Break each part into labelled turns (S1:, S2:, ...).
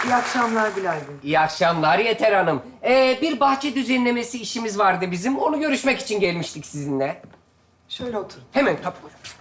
S1: İyi akşamlar Bilal Bey.
S2: İyi akşamlar Yeter Hanım. Bir bahçe düzenlemesi işimiz vardı bizim. Onu görüşmek için gelmiştik sizinle.
S1: Şöyle oturun.
S2: Hemen tabii.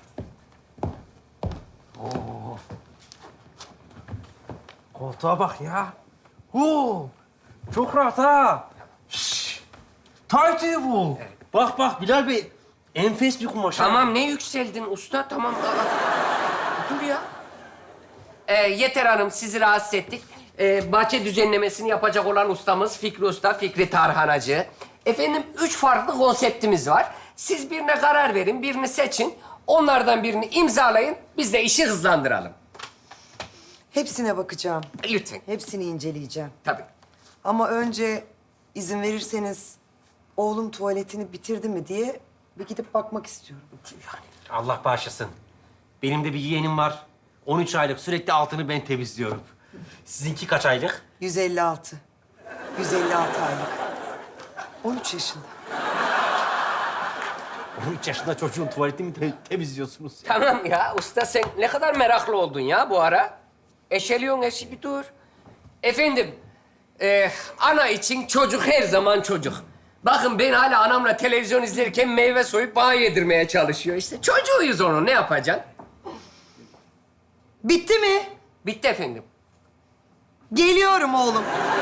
S3: Koltuğa bak ya. Oo, çok rahat ha. Şşş. Taytı bu. Bak bak Bilal Bey. Enfes bir kumaş. ha.
S2: Tamam ne yükseldin usta? Tamam. Dur ya. Yeter Hanım sizi rahatsız ettik. Bahçe düzenlemesini yapacak olan ustamız Fikri Usta, Fikri Tarhanacı. Efendim 3 farklı konseptimiz var. Siz birine karar verin, birini seçin. Onlardan birini imzalayın. Biz de işi hızlandıralım.
S1: Hepsine bakacağım.
S2: Lütfen.
S1: Hepsini inceleyeceğim.
S2: Tabii.
S1: Ama önce izin verirseniz oğlum tuvaletini bitirdi mi diye bir gidip bakmak istiyorum.
S3: Allah bağışlasın. Benim de bir yeğenim var. 13 aylık sürekli altını ben temizliyorum. Sizinki kaç aylık?
S1: 156. 156 aylık. 13 yaşında.
S3: 13 yaşında çocuğun tuvaletini mi temizliyorsunuz?
S2: Tamam ya usta sen ne kadar meraklı oldun ya bu ara. Eşeliyorsun eşi bir dur. Efendim, ana için çocuk her zaman çocuk. Bakın ben hala anamla televizyon izlerken meyve soyup bana yedirmeye çalışıyor. İşte çocuğuyuz onun ne yapacaksın?
S1: Bitti mi?
S2: Bitti efendim.
S1: Geliyorum oğlum.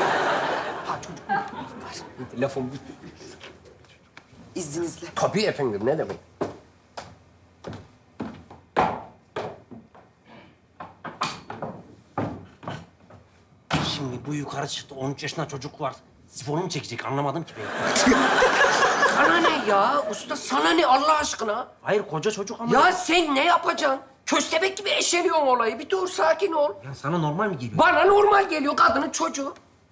S2: Lafım bitti.
S1: İzninizle.
S2: Tabii efendim ne demek.
S3: Şimdi bu yukarı çıktı. 13 yaşında çocuk var. Sifonu mu çekecek? Anlamadım ki ben.
S2: Sana ne ya? Usta sana ne Allah aşkına?
S3: Hayır koca çocuk ama.
S2: Ya sen ne yapacaksın? Köstebek gibi eşeliyorsun olayı. Bir dur sakin ol.
S3: Ya sana normal mi geliyor?
S2: Bana normal geliyor kadının çocuğu.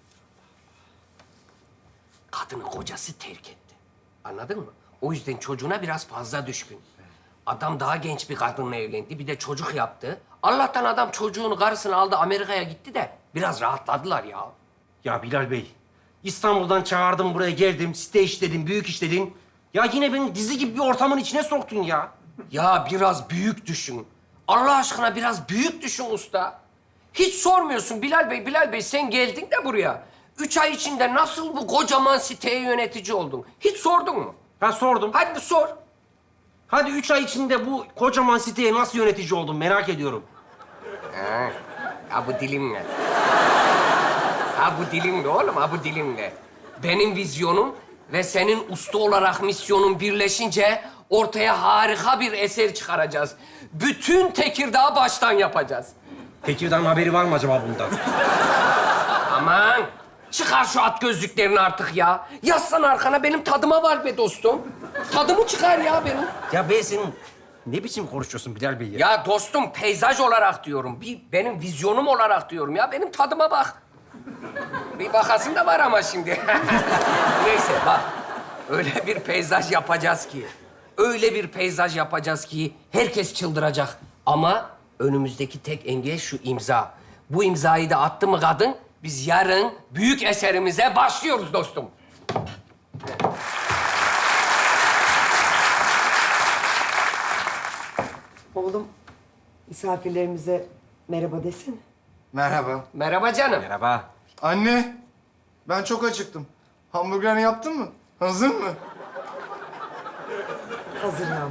S2: Kadını kocası terk etti. Anladın mı? O yüzden çocuğuna biraz fazla düşkün. Adam daha genç bir kadınla evlendi. Bir de çocuk yaptı. Allah'tan adam çocuğunu, karısını aldı Amerika'ya gitti de biraz rahatladılar ya.
S3: Ya Bilal Bey, İstanbul'dan çağırdım buraya geldim. Site işledin, büyük işledin. Ya yine beni dizi gibi bir ortamın içine soktun ya.
S2: Ya biraz büyük düşün. Allah aşkına biraz büyük düşün usta. Hiç sormuyorsun Bilal Bey sen geldin de buraya. 3 ay içinde nasıl bu kocaman siteye yönetici oldun? Hiç sordun mu?
S3: Ha sordum.
S2: Hadi bir sor.
S3: Hadi 3 ay içinde bu kocaman siteye nasıl yönetici oldun merak ediyorum.
S2: Ha bu dilimle. Ha bu dilimle oğlum, ha bu dilimle. Benim vizyonum ve senin usta olarak misyonun birleşince ortaya harika bir eser çıkaracağız. Bütün Tekirdağ'ı baştan yapacağız.
S3: Tekirdağ'ın haberi var mı acaba bundan?
S2: Aman çıkar şu at gözlüklerini artık ya. Yazsan arkana benim tadıma var be dostum. Tadımı çıkar ya benim.
S3: Ya ben senin ne biçim konuşuyorsun Bilal Bey ya?
S2: Ya dostum peyzaj olarak diyorum. Benim vizyonum olarak diyorum ya. Benim tadıma bak. Bir bakasın da var ama şimdi. Neyse bak. Öyle bir peyzaj yapacağız ki. Öyle bir peyzaj yapacağız ki herkes çıldıracak. Ama önümüzdeki tek engel şu imza. Bu imzayı da attı mı kadın, biz yarın büyük eserimize başlıyoruz dostum.
S1: Oğlum misafirlerimize merhaba desene.
S4: Merhaba.
S2: Merhaba canım.
S3: Merhaba.
S4: Anne, ben çok acıktım. Hamburgerini yaptın mı? Hazır mı?
S1: Hazır yavrum.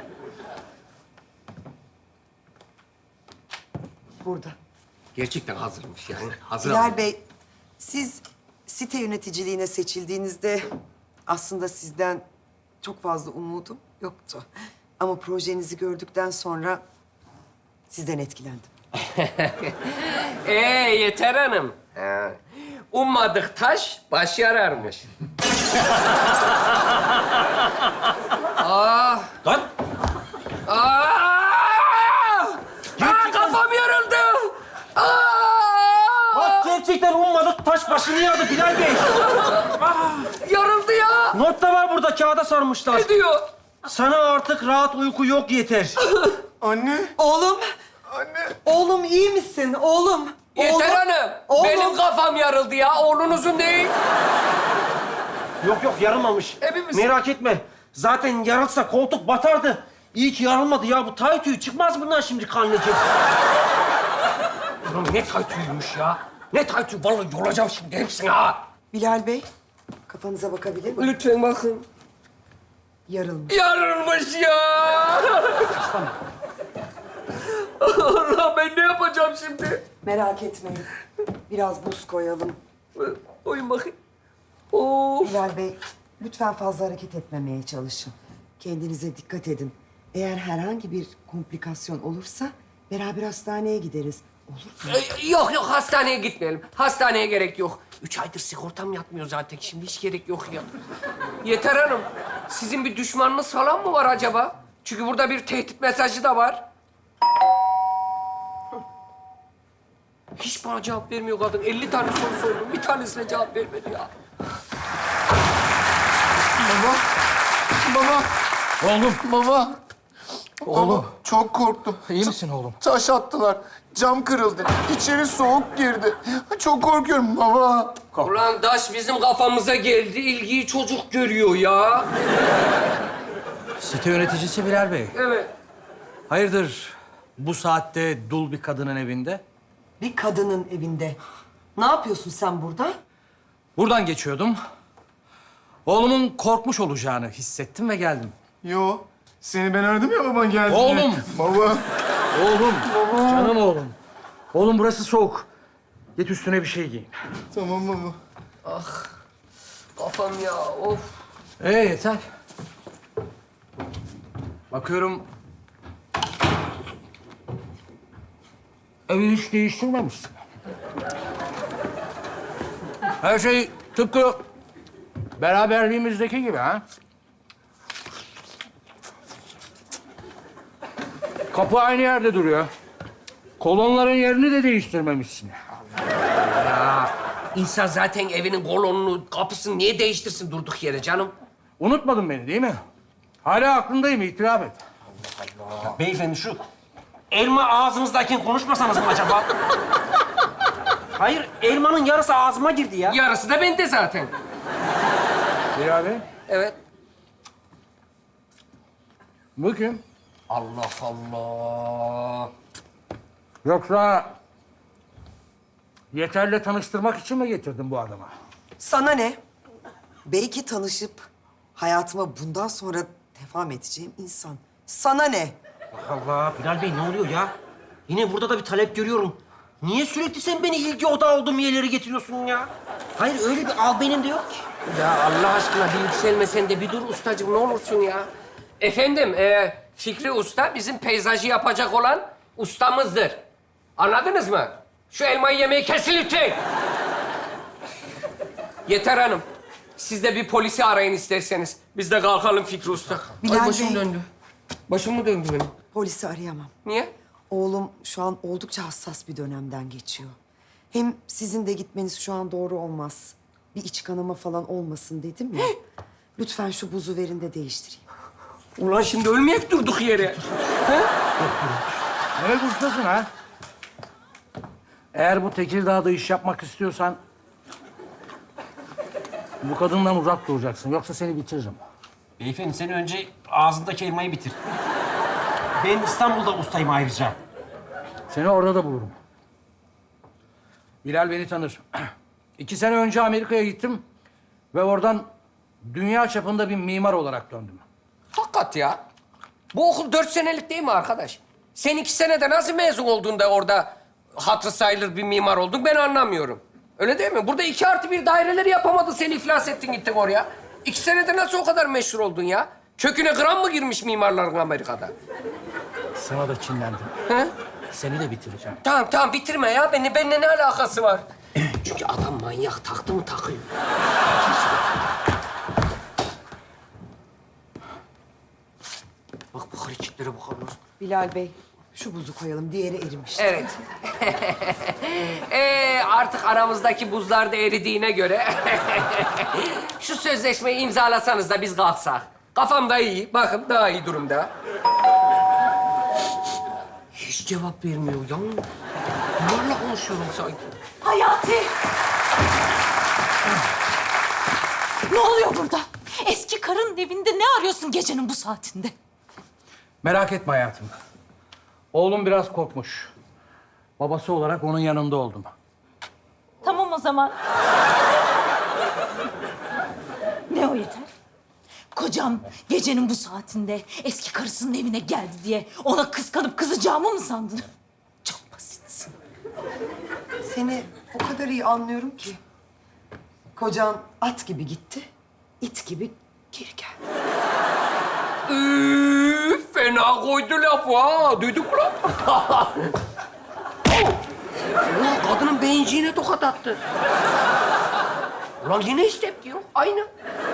S1: Burada.
S2: Gerçekten hazırmış yani. Hazır
S1: Bilal
S2: aldım.
S1: Bey, siz site yöneticiliğine seçildiğinizde aslında sizden çok fazla umudum yoktu. Ama projenizi gördükten sonra sizden etkilendim.
S2: Yeter hanım. Ummadık taş baş yararmış.
S3: Lan!
S2: Kafam yarıldı.
S3: Bak gerçekten ummadık taş başını yağdı Bilal Bey.
S2: Yarıldı ya.
S3: Not da var burada kağıda sarmışlar.
S2: Ne diyor?
S3: Sana artık rahat uyku yok yeter.
S4: Anne,
S1: Oğlum,
S4: anne.
S1: oğlum iyi misin? Oğlum.
S2: Yeter
S1: oğlum,
S2: hanım.
S1: Oğlum.
S2: Benim kafam yarıldı ya. Oğlunuzun değil.
S3: Yok yok yarılmamış.
S2: Hepimiz-
S3: Merak etme. Zaten yarılsa koltuk batardı. İyi ki yarılmadı ya. Bu tay tüyü çıkmaz bundan şimdi kan lekesi.
S2: Oğlum ne taytüymüş ya. Ne taytı? Vallahi yolacağım şimdi hepsini ha.
S1: Bilal Bey, kafanıza bakabilir miyim?
S2: Lütfen bakın.
S1: Yarılmış.
S2: Yarılmış ya. Allah, ben ne yapacağım şimdi?
S1: Merak etmeyin. Biraz buz koyalım.
S2: Oyun bakayım. Of.
S1: Bilal Bey, lütfen fazla hareket etmemeye çalışın. Kendinize dikkat edin. Eğer herhangi bir komplikasyon olursa beraber hastaneye gideriz. Olur mu?
S2: Yok yok, hastaneye gitmeyelim. Hastaneye gerek yok. 3 aydır sigortam yatmıyor zaten. Şimdi hiç gerek yok ya. Yeter Hanım, sizin bir düşmanınız falan mı var acaba? Çünkü burada bir tehdit mesajı da var. Hiç bana cevap vermiyor kadın. 50 tane soru sordum. Bir tanesine cevap vermedi ya.
S4: Baba. Baba.
S3: Oğlum,
S4: Baba.
S3: Oğlum.
S4: Baba, çok korktum.
S3: iyi misin oğlum?
S4: Taş attılar. Cam kırıldı. İçeri soğuk girdi. Çok korkuyorum baba.
S2: Ulan taş bizim kafamıza geldi. İlgiyi çocuk görüyor ya.
S5: Site yöneticisi Bilal Bey.
S2: Evet.
S5: Hayırdır bu saatte dul bir kadının evinde?
S1: Bir kadının evinde. Ne yapıyorsun sen burada?
S5: Buradan geçiyordum. Oğlumun korkmuş olacağını hissettim ve geldim.
S4: Yo. Seni ben aradım ya baban geldi.
S5: Oğlum!
S4: Baba.
S5: Oğlum, canım oğlum. Oğlum burası soğuk. Git üstüne bir şey giyin.
S4: Tamam baba.
S2: Kafam ya, of.
S5: Yeter. Bakıyorum... Evi hiç değiştirmemişsin. Her şey tıpkı beraberliğimizdeki gibi ha? Kapı aynı yerde duruyor. Kolonların yerini de değiştirmemişsin.
S2: İnsan zaten evinin kolonunu, kapısını niye değiştirsin durduk yere canım?
S5: Unutmadın beni değil mi? Hala aklındayım, itiraf et.
S3: Beyefendi şu elma ağzınızdayken konuşmasanız mı acaba? Hayır, elmanın yarısı ağzıma girdi ya.
S2: Yarısı da bende zaten.
S5: Bilal Bey,
S2: Evet.
S5: bu kim?
S2: Allah Allah.
S5: Yoksa Yeter'le tanıştırmak için mi getirdin bu adamı?
S1: Sana ne? Belki tanışıp hayatıma bundan sonra devam edeceğim insan. Sana ne?
S3: Allah, Bilal Bey ne oluyor ya? Yine burada da bir talep görüyorum. Niye sürekli sen beni ilgi odağı olduğum yerlere getiriyorsun ya? Hayır, öyle bir al benim de yok ki.
S2: Ya Allah aşkına bir yükselme sen de bir dur ustacığım ne olursun ya. Efendim Fikri Usta bizim peyzajı yapacak olan ustamızdır. Anladınız mı? Şu elmayı yemeyi kesin lütfen. Yeter Hanım. Siz de bir polisi arayın isterseniz. Biz de kalkalım Fikri Usta.
S1: Bilal
S2: Ay başım
S1: Bey.
S2: döndü. Başım mı döndü benim?
S1: Polisi arayamam.
S2: Niye?
S1: Oğlum şu an oldukça hassas bir dönemden geçiyor. Hem sizin de gitmeniz şu an doğru olmaz. Bir iç kanama falan olmasın dedim ya. Lütfen şu buzu verin de değiştireyim.
S2: Ulan şimdi ölmeyek durduk yere.
S5: Ne ustasın ha? Eğer bu Tekirdağ'da iş yapmak istiyorsan... bu kadından uzak duracaksın. Yoksa seni bitiririm.
S3: Beyefendi sen önce ağzındaki elmayı bitir. Ben İstanbul'da ustayım ayrıca.
S5: Seni orada da bulurum. Bilal beni tanır. 2 sene önce Amerika'ya gittim ve oradan dünya çapında bir mimar olarak döndüm.
S2: Hakikat ya. Bu okul 4 senelik değil mi arkadaş? Sen 2 senede nasıl mezun oldun da orada hatırı sayılır bir mimar oldun ben anlamıyorum. Öyle değil mi? Burada 2+1 daireleri yapamadın, seni iflas ettin gittin oraya. 2 senede nasıl o kadar meşhur oldun ya? Köküne gram mı girmiş mimarların Amerika'da?
S5: Sana da çinlendim.
S2: He?
S5: Seni de bitireceğim.
S2: Tamam tamam bitirme ya. Benimle ne alakası var? Çünkü adam manyak taktı mı takıyor. Bak bu hareketlere bakalım.
S1: Bilal Bey, şu buzu koyalım. Diğeri erimiş.
S2: Evet. Artık aramızdaki buzlar da eridiğine göre... şu sözleşmeyi imzalasanız da biz kalksak. Kafam da iyi. Bakın daha iyi durumda. Hiç cevap vermiyor ya. Bunlarla konuşuyorum sanki.
S6: Hayati! Ne oluyor burada? Eski karın evinde ne arıyorsun gecenin bu saatinde?
S5: Merak etme hayatım. Oğlum biraz korkmuş. Babası olarak onun yanında oldum.
S6: zaman. Ne o yeter? Kocam gecenin bu saatinde eski karısının evine geldi diye ona kıskanıp kızacağımı mı sandın? Çok basitsin.
S1: Seni o kadar iyi anlıyorum ki. Kocan at gibi gitti, it gibi geri geldi.
S2: Fena koydu lafı ha. Duyduk mu lan? Ulan kadının beyinciğine tokat attı. Ulan yine hiç tepki yok. Aynı.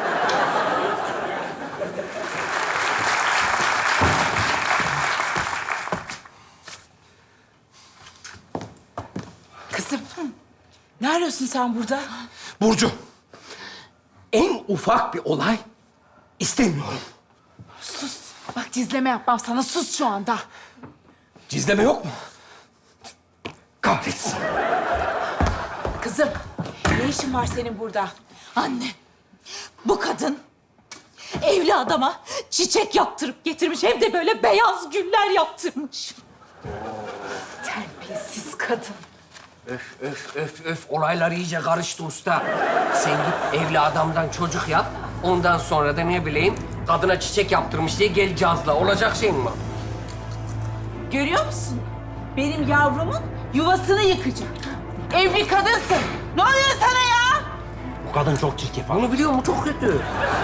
S7: Kızım, ne arıyorsun sen burada?
S2: Burcu, en ufak bir olay istemiyorum.
S7: Sus. Bak gizleme yapmam sana. Sus şu anda.
S2: Gizleme yok mu? Kahretsin.
S7: Kızım, ne işin var senin burada?
S6: Anne, bu kadın evli adama çiçek yaptırıp getirmiş. Hem de böyle beyaz güller yaptırmış.
S7: Terbiyesiz kadın.
S2: Öf. Olaylar iyice karıştı usta. Sen git evli adamdan çocuk yap. Ondan sonra da ne bileyim kadına çiçek yaptırmış diye gel cazla. Olacak şey mi?
S7: Görüyor musun? Benim yavrumun yuvasını yıkacak. Evli kadınsın. Ne oluyor sana ya?
S3: Bu kadın çok çirkef.
S2: Onu biliyor mu? Çok kötü.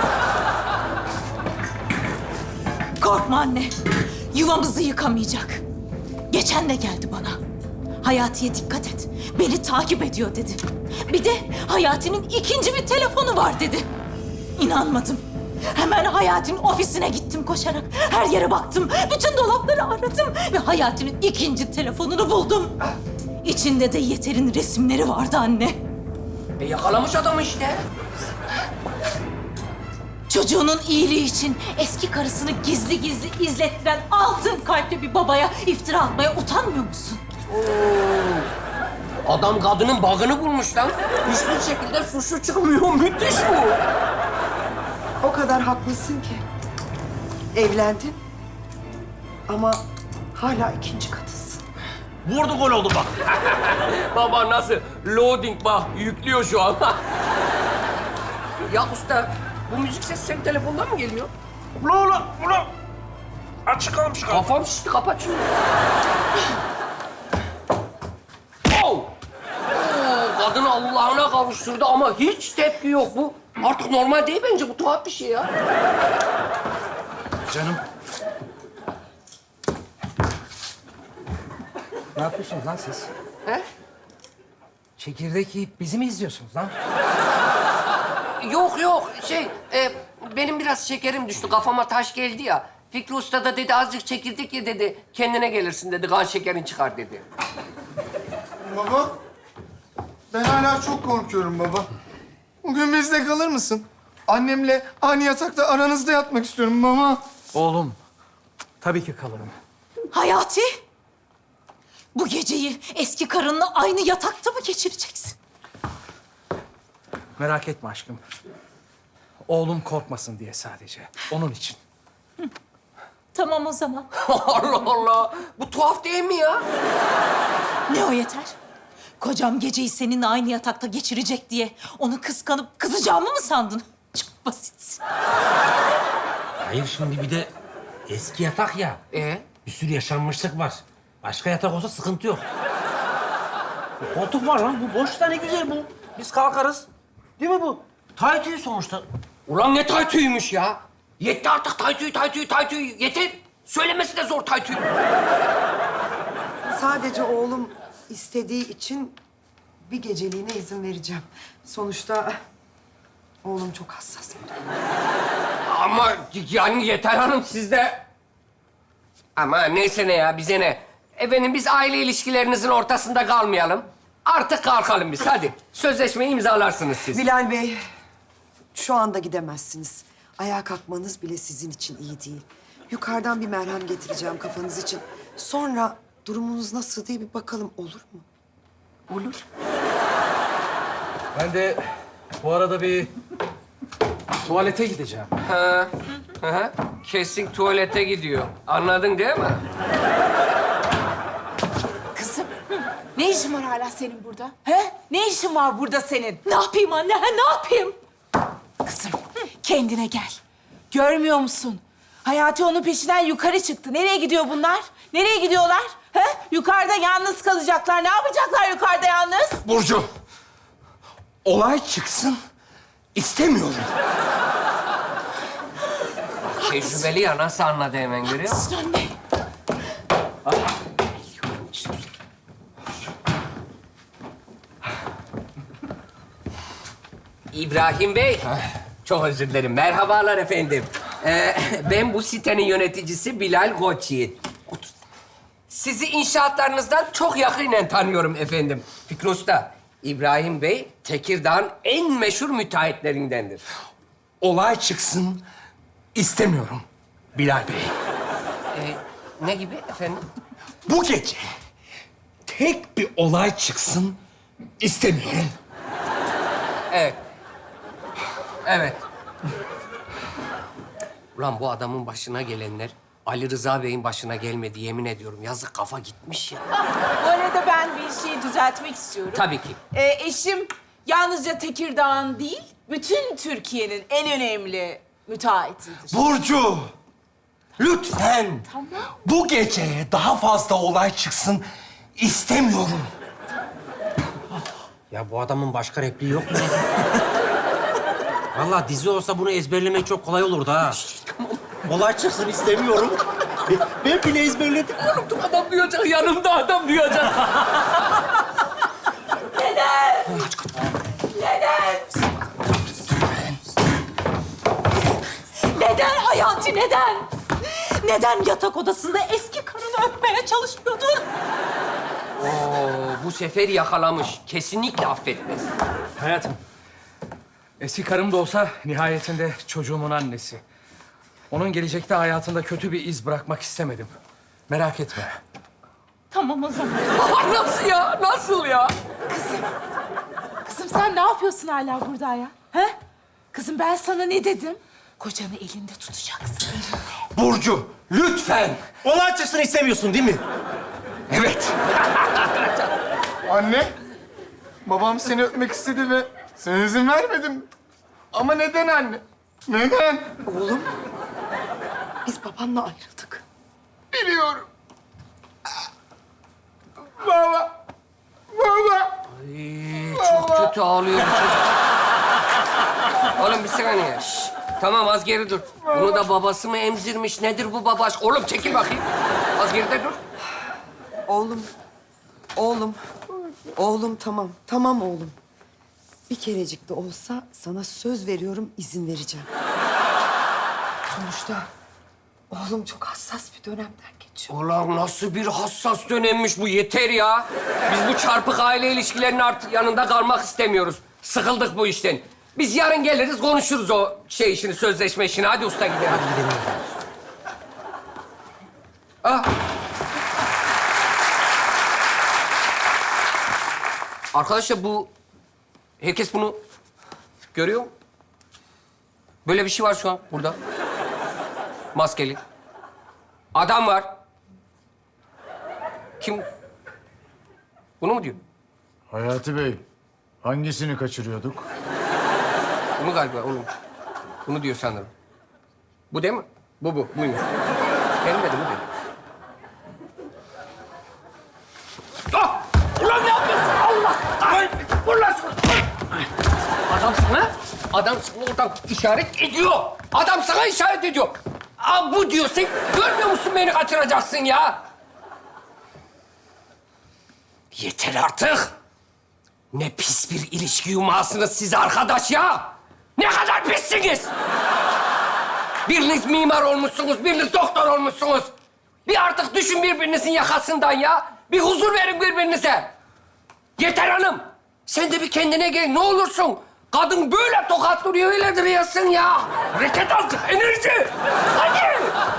S6: Korkma anne, yuvamızı yıkamayacak. Geçen de geldi bana. Hayati'ye dikkat et, beni takip ediyor dedi. Bir de Hayati'nin ikinci bir telefonu var dedi. İnanmadım. Hemen Hayati'nin ofisine gittim koşarak. Her yere baktım, bütün dolapları aradım ve Hayati'nin ikinci telefonunu buldum. İçinde de Yeter'in resimleri vardı anne.
S2: Yakalamış adamı işte.
S6: Çocuğunun iyiliği için eski karısını gizli gizli izlettiren altın kalpli bir babaya iftira atmaya utanmıyor musun?
S2: Adam kadının bug'ını bulmuş lan. Hiçbir şekilde suçlu çıkmıyor. Müthiş bu.
S1: O kadar haklısın ki. Evlendin ama hala ikinci katısın.
S3: Vurdu gol oldu bak.
S2: Baba nasıl? Loading bak. Yüklüyor şu an. Ya usta, bu müzik sesi senin telefondan mı geliyor?
S3: Ulan. Açık kalmış kaldı.
S2: Kafam şişti. Kapat şunu. Oh! Kadını Allah'ına kavuşturdu ama hiç tepki yok bu. Artık normal değil bence. Bu tuhaf bir şey ya.
S5: Canım. Ne yapıyorsunuz lan siz?
S2: He?
S5: Çekirdek yiyip bizi mi izliyorsunuz lan?
S2: Yok. Benim biraz şekerim düştü. Kafama taş geldi ya. Fikri Usta da dedi azıcık çekirdek ye dedi. Kendine gelirsin dedi. Kan şekerin çıkar dedi.
S4: Baba, ben hala çok korkuyorum baba. Bugün bizde kalır mısın? Annemle aynı yatakta aranızda yatmak istiyorum baba.
S5: Oğlum, tabii ki kalırım.
S6: Hayati, bu geceyi eski karınla aynı yatakta mı geçireceksin?
S5: Merak etme aşkım. Oğlum korkmasın diye sadece. Onun için.
S6: Tamam o zaman.
S2: Allah Allah. Bu tuhaf değil mi ya?
S6: Ne o yeter? Kocam geceyi seninle aynı yatakta geçirecek diye onu kıskanıp kızacağımı mı sandın? Çok basitsin.
S3: Hayır şimdi bir de eski yatak ya. Bir sürü yaşanmışlık var. Başka yatak olsa sıkıntı yok. Bu koltuk var lan. Bu boş da ne güzel bu. Biz kalkarız. Değil mi bu? Taytüyü sonuçta.
S2: Ulan ne taytüymüş ya? Yetti artık taytüyü. Yeter. Söylemesi de zor taytüyü.
S1: Sadece oğlum istediği için bir geceliğine izin vereceğim. Sonuçta oğlum çok hassas biri.
S2: Ama yani Yeter Hanım sizde... Ama neyse ne ya, bize ne? Efendim biz aile ilişkilerinizin ortasında kalmayalım. Artık kalkalım biz, hadi. Sözleşmeyi imzalarsınız siz.
S1: Bilal Bey, şu anda gidemezsiniz. Ayağa kalkmanız bile sizin için iyi değil. Yukarıdan bir merhem getireceğim kafanız için. Sonra durumunuz nasıl diye bir bakalım, olur mu?
S2: Olur.
S5: Ben de bu arada bir tuvalete gideceğim.
S2: Ha. Kesin tuvalete gidiyor. Anladın değil mi?
S7: Kızım, Ne işin var hala senin burada? He? Ne işin var burada senin?
S6: Ne yapayım anne? Ha, ne yapayım?
S7: Kızım, kendine gel. Görmüyor musun? Hayati onun peşinden yukarı çıktı. Nereye gidiyor bunlar? Nereye gidiyorlar? He? Yukarıda yalnız kalacaklar. Ne yapacaklar yukarıda yalnız?
S3: Burcu, olay çıksın istemiyorum.
S2: Tecrübeli ya, nasıl anladı hemen, görüyor musun?
S7: Anne.
S2: İbrahim Bey. Çok özür dilerim. Merhabalar efendim. Ben bu sitenin yöneticisi Bilal Koçyiğit. Otur. Sizi inşaatlarınızdan çok yakinen tanıyorum efendim. Fikri Usta, İbrahim Bey Tekirdağ'ın en meşhur müteahhitlerindendir.
S3: Olay çıksın istemiyorum Bilal Bey.
S2: Ne gibi efendim?
S3: Bu gece tek bir olay çıksın istemiyorum.
S2: Evet. Evet. Ulan bu adamın başına gelenler Ali Rıza Bey'in başına gelmedi, yemin ediyorum. Yazık, kafa gitmiş ya.
S7: Bu arada ben bir şeyi düzeltmek istiyorum.
S2: Tabii ki.
S7: Eşim yalnızca Tekirdağ'ın değil, bütün Türkiye'nin en önemli müteahhitidir.
S3: Burcu, lütfen
S7: Tamam.
S3: bu gece daha fazla olay çıksın istemiyorum.
S8: Ya bu adamın başka repliği yok mu? Vallahi dizi olsa bunu ezberlemek çok kolay olurdu ha. Olay çıksın istemiyorum. Ben bile ezberledim.
S2: Adam duyacak, yanımda adam duyacak.
S6: Neden Hayati, neden? Neden yatak odasında eski karını öpmeye çalışıyordun?
S2: Bu sefer yakalamış. Kesinlikle affetmez.
S5: Hayatım, eski karım da olsa nihayetinde çocuğumun annesi. Onun gelecekte hayatında kötü bir iz bırakmak istemedim. Merak etme.
S6: Tamam o zaman.
S2: Nasıl ya? Nasıl ya?
S7: Kızım sen ne yapıyorsun hala burada ya? He? Kızım ben sana ne dedim? Kocanı elinde tutacaksın, elinde.
S3: Burcu, lütfen.
S8: Olay çıksın istemiyorsun değil mi?
S3: Evet.
S4: Anne, babam seni öpmek istedi ve sen izin vermedin. Ama neden anne? Neden?
S1: Oğlum, biz babanla ayrıldık.
S4: Biliyorum. Baba. Baba.
S2: Çok kötü ağlıyor bu çocuk. Oğlum bir saniye. Şş, tamam, az geri dur. Bunu da babası mı emzirmiş? Nedir bu baba aşk? Oğlum çekil bakayım. Az geride dur.
S1: Oğlum tamam. Tamam oğlum. Bir kerecik de olsa sana söz veriyorum, izin vereceğim. Sonuçta oğlum çok hassas bir dönemden geçiyor.
S2: Ulan nasıl bir hassas dönemmiş bu, yeter ya. Biz bu çarpık aile ilişkilerinin artık yanında kalmak istemiyoruz. Sıkıldık bu işten. Biz yarın geliriz, konuşuruz o şey işini, sözleşme işini. Hadi usta gidelim. Hadi gidelim. Ah. Arkadaşlar bu... Herkes bunu görüyor mu? Böyle bir şey var şu an burada. Maskeli. Adam var. Kim? Bunu mu diyor?
S9: Hayati Bey, hangisini kaçırıyorduk?
S2: Bunu galiba, onu. Bunu diyor sanırım. Bu değil mi? Bu. Buymuş. Benim dedim, bu değil. Ah! Ulan ne yapıyorsun? Allah! Ay! Vur lan şunu! Adam sana, adam sana oradan işaret ediyor. Adam sana işaret ediyor. Aa, bu diyor. Sen görmüyor musun beni kaçıracaksın ya? Yeter artık. Ne pis bir ilişki yumağısınız siz arkadaş ya. Ne kadar pissiniz. Biriniz mimar olmuşsunuz, biriniz doktor olmuşsunuz. Bir artık düşün birbirinizin yakasından ya. Bir huzur verin birbirinize. Yeter hanım. Sen de bir kendine gel, ne olursun. Kadın böyle tokatlıyor, öyle duruyorsun ya. Hareket al, enerji. Hadi.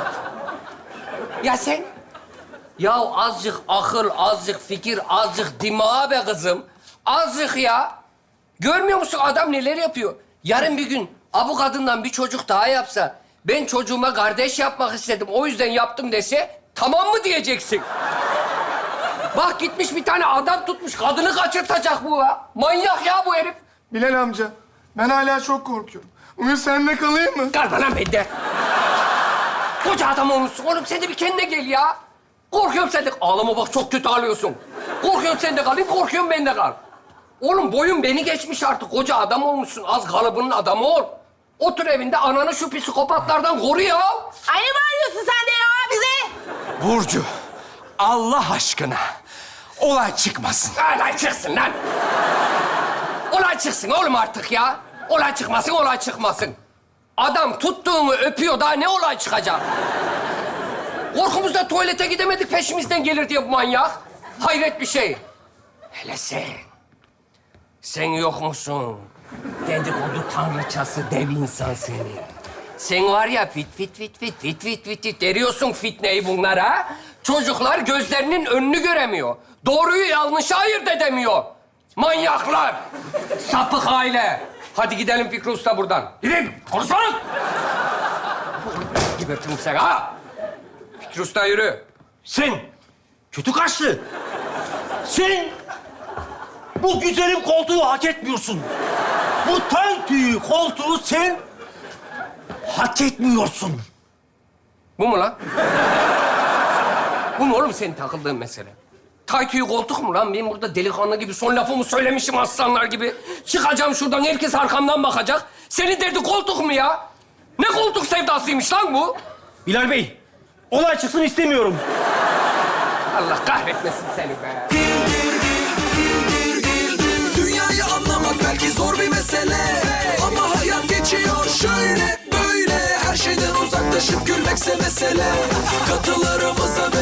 S2: Ya sen? Ya azıcık akıl, azıcık fikir, azıcık dima be kızım. Azıcık ya. Görmüyor musun adam neler yapıyor? Yarın bir gün bu kadından bir çocuk daha yapsa... ...ben çocuğuma kardeş yapmak istedim, o yüzden yaptım dese... ...tamam mı diyeceksin? Bak gitmiş bir tane adam tutmuş. Kadını kaçırtacak bu ya. Manyak ya bu herif.
S4: Bilal amca, ben hala çok korkuyorum. Bugün seninle kalayım mı?
S2: Kalma lan bende. Koca adam olmuşsun oğlum. Sen de bir kendine gel ya. Korkuyorum sen de. Ağlama bak çok kötü ağlıyorsun. Korkuyorum sen de kalayım, korkuyorum ben de kal. Oğlum boyun beni geçmiş artık. Koca adam olmuşsun. Az kalıbının adamı ol. Otur evinde ananı şu psikopatlardan koru ya.
S7: Ay ne bağırıyorsun sen de ya bize?
S10: Burcu, Allah aşkına olay çıkmasın.
S2: Olay çıksın lan. Olay çıksın oğlum artık ya. Olay çıkmasın, olay çıkmasın. Adam tuttuğumu öpüyor, daha ne olay çıkacak? Korkumuzda tuvalete gidemedik, peşimizden gelir diye bu manyak. Hayret bir şey. Hele sen. Sen yok musun? Dedikodu tanrıçası dev insan seni. Sen var ya fit deriyorsun fitneyi bunlara. Çocuklar gözlerinin önünü göremiyor. Doğruyu yanlışı ayırt edemiyor. Manyaklar. Sapık aile. Hadi gidelim Fikri Usta buradan. Gidin. Konuşalım. Gebertirim seni ha. Fikri Usta yürü.
S8: Sen kötü kaşlı. Sen bu güzelim koltuğu hak etmiyorsun. Bu tay tüyü koltuğu sen hak etmiyorsun.
S2: Bu mu lan? Bu mu oğlum senin takıldığın mesele? Tay tüyü koltuk mu lan? Ben burada delikanlı gibi son lafımı söylemişim aslanlar gibi. Çıkacağım şuradan, herkes arkamdan bakacak. Senin derdin koltuk mu ya? Ne koltuk sevdasıymış lan bu?
S8: Bilal Bey, olay çıksın istemiyorum.
S2: Allah kahretmesin seni be.
S11: Dünyayı anlamak belki zor bir mesele, ama hayat geçiyor şöyle böyle. Her şeyden uzaklaşıp gülmekse mesele. Katılarımıza